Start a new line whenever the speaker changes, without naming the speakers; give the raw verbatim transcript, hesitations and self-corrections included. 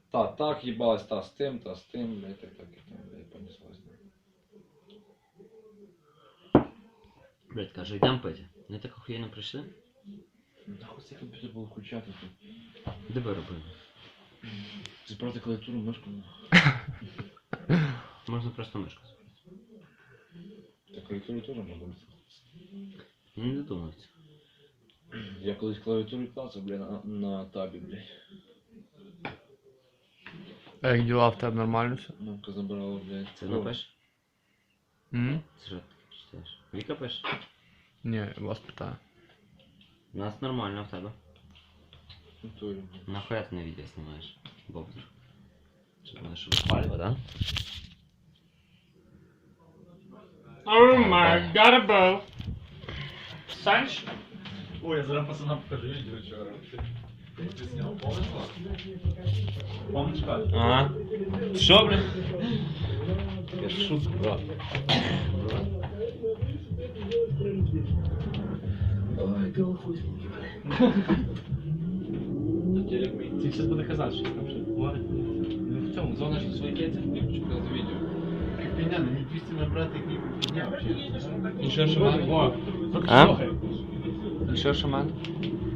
Та так їбалась, та з тим, та з тим, блядь, так, так, і там, блядь, понеслась.
Блядь, каже, йдемо пити. Не так охуєнно прийшли?
Нахуй цей комп'ютер було включати тут.
Де ви робили?
Збирати клавіатуру, мишку.
Можна просто мишку збирати.
Та клавіатуру теж можна.
Не додумався.
Я колись клавіатуру клацав, блядь, на, на табі, блядь.
А як діла в тебе нормально все?
Мамка забирала, блядь.
Це напиш?
М?
Це що ти читаєш? Віка пише?
Ні, я вас питаю.
У нас нормально, в тебе.
Натурі, блядь.
Нахуя ти на відео знімаєш? Бобдер. Щоб мене що випалював, да?
Oh my god, bro. Санч?
Ой, я зараз пацанам покажу відео вчора. Ти зняв, помниш? Помниш, Кать?
Ага. Що, блин?
Я шутку, брат. Ой, голофуй.
Ти зараз буде казати, що там ще говорить.
Ну в цьому, зона ж свої кейси, я хочу показати відео.
Пеня, ну не двісті набрати, як ніби підняв.
І що, шаман?
Во.
А?
І що, шаман?